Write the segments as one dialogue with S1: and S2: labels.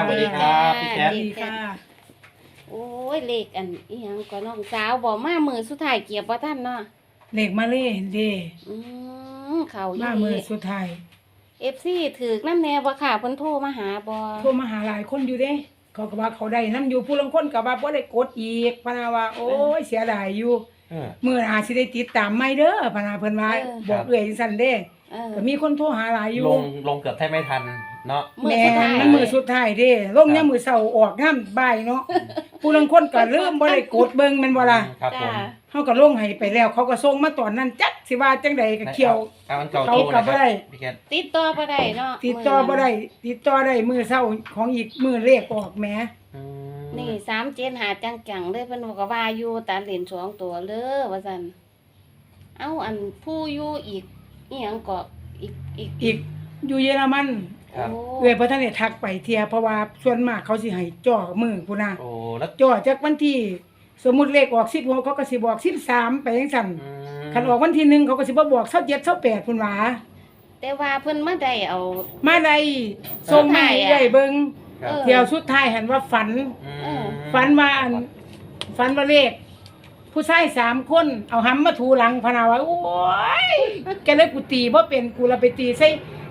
S1: สวัสดีครับพี่แคท
S2: ดีค่ะ
S3: โอ้ยเลขอันอีหยังก็น้องสาวบอกมามือสุดท้ายเกียบบ่ทันเนาะ
S2: เลขมาเล่เด้
S3: อืเขาอี
S2: มามือสุดท้าย
S3: FC ถือกนำแน่บ่ค่ะเพิ่นโทรมาหาบ่
S2: โทรมาหาหลายคนอยู่เด้เขาก็ว่าเขาได้นํอยู่ผู้ลางคนก็ว่าบ่ได้กดอีกพะนาว่าโอ้ยเสียดายอยู่ มื้อหน้าสิได้ติดตามใหม่เด้อพะนาเพิ่นว่าบอกเอื้อยจังซั่นเด้ ก็มีคนโทรหาหลายอยู่
S1: ลงเกือบแทบไม่ทันเนาะ
S3: มื้อ
S2: แม่
S3: สุดท้าย
S2: มันมือสุดท้ายเด้ลงยามมื้อเช้าออกยามบ่ายเนาะผู้ลางคนก็ลืมบ่ได้กดเบิ่งแม่นบ่ล่ะ
S1: ครับผ
S3: จ้าม
S2: เฮาก็ลงให้ไปแล้ว เขาก็ส่งมาตอนนั้นจักสิว่าจังใดก็เขียว
S1: เอาอันเก่า
S2: เขา
S1: โทร
S2: กลั
S1: นะ
S2: บ
S1: ค
S2: บ่
S1: รับ
S2: ได้
S1: พี่แคท
S3: ติดต่อบ่ได้เนาะ
S2: ติดต่อบ่ได้ติดต่อได้มื้อเช้าของอีกมื้อเลขออกแหม
S1: อืม
S3: นี่37หาจังๆเลยเพิ่นก็ว่าอยู่ตาเหรียญ2ตัวเด้อว่าซั่นเอ้าอันผู้อยู่อีกอีหยังก็อีก
S2: อีกอยู่เยอรมัน
S1: ครับ
S3: โอ้
S2: เอ้ยบ่ทันได้ทักไปเที่ยเพราะว่าส่วนมากเขาสิให้จ่อมือพุ่นน่ะ
S1: โอ้แล้ว
S2: จ่อจากวันที่สมมุติเลขออก16เขาก็สิบอก13ไปจังซั่น
S1: อืม
S2: คันออกวันที่1เขาก็สิบ่บอก27 28พุ่นหว่า
S3: แต่ว่าเพิ่นมาได้เอา
S2: มาได้ส่งมาให้เอ้ยเบิ่ง
S1: ครับ
S2: เที่ยวสุดท้ายหันว่าฝัน
S1: อืม
S2: ฝันว่าเลข ผู้ชาย3คนเอาหำมาถูหลังพะนาว่าโอ้ยแกเลยกูตีบ่เป็นกูละไปตีใส่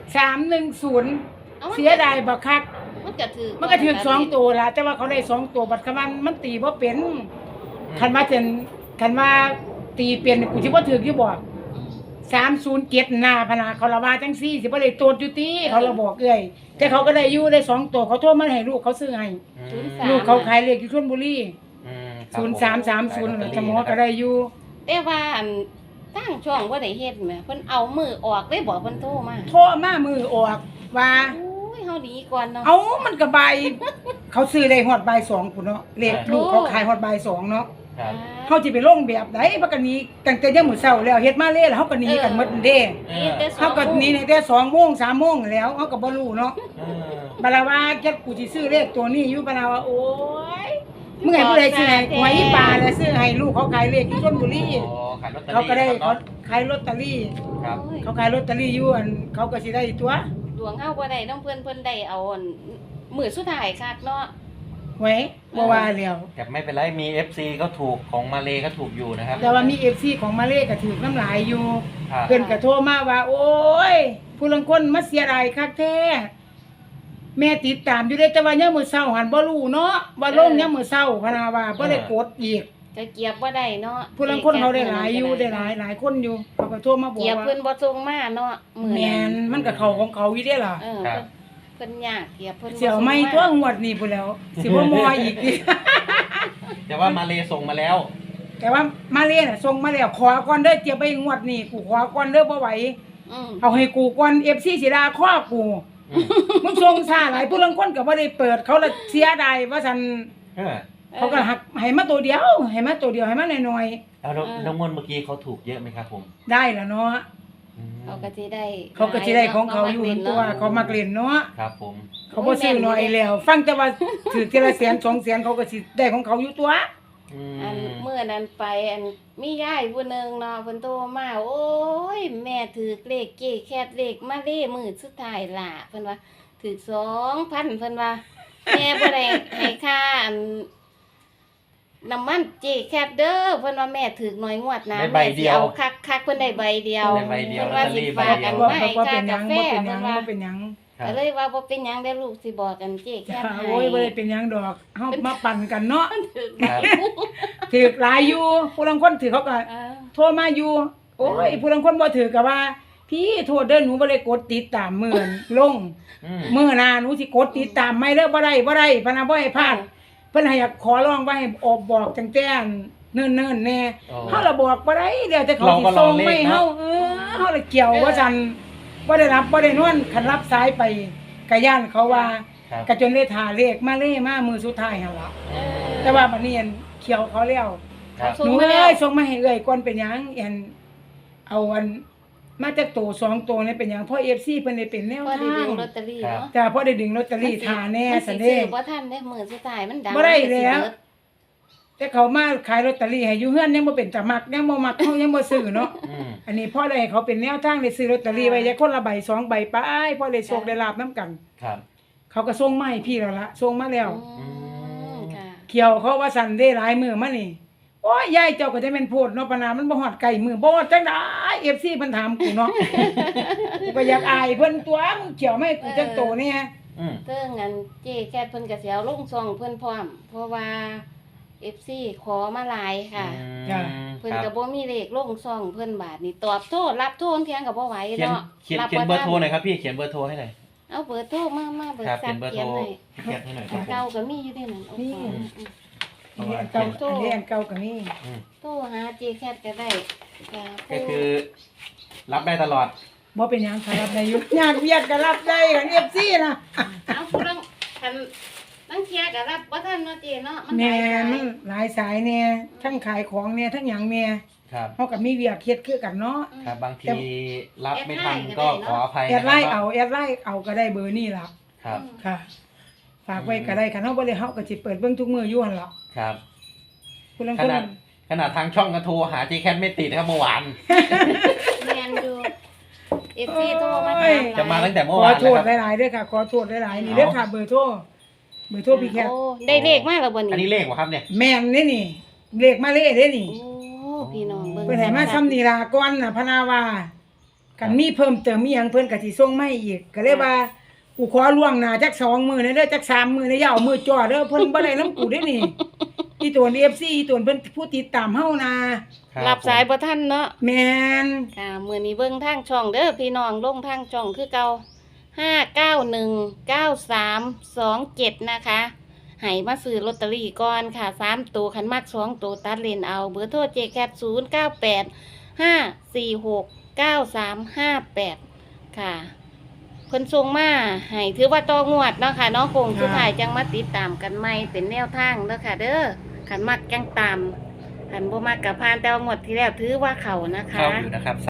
S2: 310 เสียดายบักคัก
S3: มันก็ถือ
S2: มันก็ถือ2ตัวล่ะแต่ว่าเขาได้2ตัวบัดคำมันตีบ่เป็นคันว่าตีเป็นกูสิบ่ถืออยู่บ่307หน้าพะนาเขาละว่าจังซี่สิบ่ได้โตดอยู่ติเขาละบอกเอ้ยแต่เขาก็ได้อยู่ได้2ตัวเขาโทรมาให้ลูกเขาซื้อให้
S1: อืม
S2: ลูกเขาขายเลขอยู่ชลบุรี
S1: อืมครับผม
S2: 0330จะหมอก็ได้อยู่
S3: แต่ว่าอันตั้งช่องบ่ได้เฮ็ดแหมเพิ่นเอามือออกได้บอกเพิ่นโทรมา
S2: โทรมามือออกว่า
S3: โอ้ยเฮาดีก่อนเนาะ
S2: เอามันก็บ่ายเขาซื้อได้ฮอดบ่าย2พุ่นเนาะเลขลูกเขาขายฮอดบ่าย2เนาะ
S1: ครับ
S2: เฮาสิไปลงแบบใดบักกันนี้ตั้งแต่ยามมื้อเช้าแล้วเฮ็ดมาเลยแล้วเฮาก็หนีกันหมดเด้ เฮาก็หนีตั้งแต่2โมง3โมงแล้วเฮาก็บ่รู้เนาะ
S1: เออ
S2: บัดละว่าแค่กูสิซื้อเลขตัวนี้อยู่บัดละว่าโอ๊ยมึงให้ผู้ใดซื้อให้หวยอีปลาแล้วซื้อให้ลูกเขาขายเลขอยู่ชลบุรี
S1: โอ้ขายลอตเตอรี่
S2: เขาก็ได้
S1: นะครับ
S2: ขายลอตเตอรี่
S1: ครับ
S2: เขาขายลอตเตอรี่อยู่อันเขาก็สิได้ตัว
S3: ดวงเฮาบ่ได้น้องเพิ่นได้เอาอันมื้อสุดท้ายคักเนาะ
S2: ไว้บ่ว่าแล้ว
S1: แต่ไม่เป็นไรมี FC ก็ถูกของมาเลก็ถูกอยู่นะครับ
S2: แต่ว่ามี FC ของมาเลก็ถือน้ำลายอยู่
S1: ครับ
S2: เพิ่นก็โทรมาว่า โอ้ย ผู้ลางคนมาเสียดายคักแท้แม่ติดตามอยู่เด้แต่ว่ายามมื้อเช้าหันบ่รู้เนาะว่าลงยามมื้อเช้าพะนาว่าบ่ได้กดอีก
S3: ก็เกียบบ่ได้เนาะ
S2: ผู้ลางคนเขาได้หลายอยู่ได้หลายคนอยู่เขาก็โทรมาบอก
S3: เกียบ
S2: ว่า
S3: เพิ่นบ่ส่งมาเนาะมื้อ
S2: แม่นมันก็เข้าของเขาอยู่เด้ล่ะ
S3: เพิ่นยากเกียบเพิ่น
S2: เสี่ยวไม่ตัวงวดนี้พุ่นแล้ว สิบ่มออีกดิ
S1: แต่ว่ามาเลส่งมาแล้ว
S2: แต่ว่ามาเลน่ะส่งมาแล้วขอก่อนเด้อเจียบไปงวดนี้กูขอก่อนเด้อบ่ไหว
S3: อืม
S2: เอาให้กูก่อน FC สิด่าข้อกู
S1: อืม
S2: มึงส่งช้าหลายผู้ลางคนก็บ่ได้เปิดเขาละเสียดายว่าซั่น
S1: เออ
S2: เขาก็หักให้มาตัวเดียวให้มาตัวเดียวให้มาน้อย
S1: แล้วน้องมนต์เมื่อกี้เขาถูกเยอะไหมครับผม
S2: ๆได้ล่ะเนาะ
S1: อืม
S3: เขาก็สิได้
S2: เขาก็สิได้ของเขาอยู่ตัวเขามักเล่นเนาะ
S1: ครับผม
S2: เขาบ่ซื้อน้อยแล้ว ฟังแต่ว่าถือทีละแสน2แสนเขาก็สิได้ของเขาอยู่ตัว
S1: อืม
S3: อันเมื่อนั้นไปอันมียายผู้หนึงเนาะเพิ่นโทรมาโอ้ยแม่ถือเลขเก้แคทเลขมาเลมื้อสุดท้ายล่ะเพิ่นว่าถือ 2,000 เพิ่นว่าแม่บ่ได้ให้ค่าอันน้ำมันเจแคทเด้อเพิ่นว่าแม่ถือน้อยงวดนะ
S1: ได้ใบเดียว
S3: แม่สิเอาคักๆเพิ่นได้ใบเดียว
S1: ได้ใบเดียว
S3: เพิ่นว่าสิฝากกัน
S2: ว่า
S3: ไว้
S2: ว่า
S3: ค่า
S2: เป็นหยั
S3: กาง แฟ
S2: บ่เป็นห
S3: เพิ่
S2: ยั
S3: น
S2: ง
S3: ว่า
S2: บ่เป็นหยัง
S1: ครับ
S3: ก็เลยว่าบ่เป็นหยังได้อลูกสิบอกกันเจแคทให้
S2: โอ้ยบ่ได้เป็นหยังดอกเฮามาปั่นกันเนาะ
S1: ครับ
S2: ถือหลายอยู่ผู้ลางคนถือเขาก็
S3: เออ
S2: โทรมาอยู่ โอ้ยผู้ลางคนบ่ถือก็ว่า พี่โทษเด้อหนูบ่ได้กดติดตามมื้อลง
S1: อืม
S2: มื้อหน้าหนูสิกดติดตามไม่เด้อบ่ได้พะนะบ่ให้พลาดเพิ่นให้ขอร้องว่าให้ออกบอกจังแต่เนิ่นๆแน่
S1: อ๋อ
S2: เฮาละบอกบ่ได้เดี๋ยวแต่เขา
S1: เรา
S2: สิ
S1: ก็รอ
S2: ส่ง
S1: เลข
S2: ไม่
S1: เนาะ
S2: เฮาเฮาละเกี่ยวว่าซั่นบ่ได้รับบ่ได้นอนคันรับสายไปก็ย่านเขาว่า
S1: ครับ
S2: ก็จนได้ท่าเลขมาเลยมามื้อสุดท้ายหั่นล่ะ
S3: เออ
S2: แต่ว่าบัดนี้อันเขียวเขาแล้ว
S1: ครับ
S3: ส่
S2: ห
S3: ง
S2: นู
S3: มาแล้ว
S2: เอ้ยส่งมาให้เอ้ยก่อนเป็นหยังอันเอาอันมาจากโต2ตัวนี่เป็นหยังเพราะ FC เพิ่นได้เป็นแนว
S3: พอได้
S2: ทา
S3: ดึ
S2: ง
S3: งลอตเตอรี่เนาะ
S2: จ้าพอได้ดึงลอตเตอรี่ทาแน่
S3: มัน
S2: ซะ
S3: สิ
S2: เด้
S3: ซื้อบ่ทันได้มื้อสุดท้ายมันดัง
S2: บ่ได้
S3: มันสิ
S2: แล้ว
S3: เบิด
S2: แต่เขามาขายลอตเตอรี่ให้อยู่เฮือนยังบ่เป็นตามักยังบ่มักเขายังบ่ซื้อเนาะ
S1: อืม
S2: อันนี้พ่อได้ให้เขาเป็นแนวทางได้ซื้อลอตเตอรี่ไว้จักคนละใบ2ใบไปพ่อได้โชคได้ลาบนํกัน
S1: ครับ
S2: เขาก็ส่งมาให้พี่แล้วล่ะส่งมาแล้ว
S3: ค่ะ
S2: เขียวเขาว่าสั่นได้หลายมือมานี่โอ้ยยายเจ้าก็จะเป็นโพดเนาะปะนามันบ่ฮอดไก่มือบ่จังได๋ FC เพิ่นถามกูเนาะ กูก็อยากอายเพิ่นตัวมึงเขียวไม่ให้กูจักโตเนี่ย
S3: เติ้งอันเจ๊แคทเพิ่นก็สิเอาลงซองเพิ่นพร้อม เพราะว่า FC ขอมาหลายค่ะ เพิ่นก็บ่มีเลขลงซองเพิ่นบาทนี่ตอบโทษรับโทษเพียงก็บ่ไหว
S1: เขียน
S3: เนาะ
S1: เขียนเขียนเบอร์โทรหน่อยครับพี่เขียนเบอร์โทรให้หน่อย
S3: เอาเบอร์โทรมาเบอร์
S1: ครับ
S3: สั
S1: เขีย
S3: ก
S1: นเบอร์
S3: เขี
S1: โท
S3: ย
S1: ร
S3: นให้
S1: เขียนให้หน่อยครับผม
S3: เก่าก็มีอยู่ในนั้นโอเค
S2: อันนี้อันเก่าอันนี้อันเก่าก็มี
S3: โทรหาเจ๊แคทก็ได้ค่ะ
S1: ก็คือ รับได้ตลอด
S2: บ่เป็นหยังค่ะรับได้อยู่ญาติเวียดก็รับได้กัน FC นะ
S3: เอาผู้ลังคันลังเที่ยก็รับบ่ทันเนาะเจ๊เนาะมันห
S2: แม่
S3: ลายสาย
S2: มันหลายสายแน่ทั้งขายของแน่ทั้งหยังแน่
S1: ครับ
S2: เฮาก็มีเวียกเฮ็ดคือกันเนาะ
S1: ครับบางทีรับไม่ทันก็ขออภัย
S2: แอด
S1: นะ
S2: ไล
S1: ค
S2: น์
S1: รับ
S2: เอาแอดไลน์เอาก็ได้เบอร์นี่ล่ะ
S1: ครับ
S2: ค่ะ ฝากไว้ก็ได้คันเฮาบ่ได้เฮาก็สิเปิดเบิ่งทุกมื้ออยู่หั่นล่ะ
S1: ครับ
S2: ผู้ลาง
S1: ข
S2: คน
S1: นาดทางช่องก็โทรหาเจแคทไม่ติดนะครับเมื่อวาน
S3: แม่นอยู่ FC โทรมาถามหลย
S1: จะมาตั้งแต่
S2: ข
S1: เมื่อ
S2: อ
S1: วาน
S2: โท
S1: แล้ว
S2: ษ
S1: ครับ
S2: หลายๆเด้อค่ะขอโทษหลายๆนี่เด้อค่ะเบอร์โทรพี่แคท
S3: โอ้ได้เลขมาแล้วบ่
S1: อันนี้
S3: นี่
S1: เลขวะครับเนี่ย
S2: แม่นนี่เลขมาเลขเด้นี่
S3: โอ้พี่น้องเบิ่ง
S2: เพิ่นให้มาซ้ำนี่ล่ะก่อนน่ะพะนาว่ากันมีเพิ่มเติมมีหยังเพิ่นก็สิส่งมาให้อีกก็เลยว่ากูขอล่วงหน้าจัก2มื้อเด้อจัก3มื้อเด้ออย่าเอามือจ่อเด้อเพิ่นบ่ได้นำกูเด้นี่อีตัว FC อีตัวเพิ่นผู้ติดตามเฮานะ
S3: รับสายบ่ทันเนาะ
S2: แม่น
S3: ค่ะมื้อนี้เบิ่งทางช่องเด้อพี่น้องลงทางช่องคือเก่า5919327นะคะให้มาซื้อลอตเตอรี่ก่อนค่ะ3ตัวคันมัก2ตัวตัดเลนเอาเบอร์โทรเจแคป0985469358ค่ะเพิ่นส่งมาให้ถือว่าต่องวดเนาะค่ะเนาะคงสุดท้ายจังมาติดตามกันใหม่เป็นแนวทางเด้อค่ะ เด้อคันมักจังตามคันบ่มักก็ผ่านแต่ว่างวดที่แล้วถือว่าเข้านะคะ
S1: เข้าอยู่นะครับ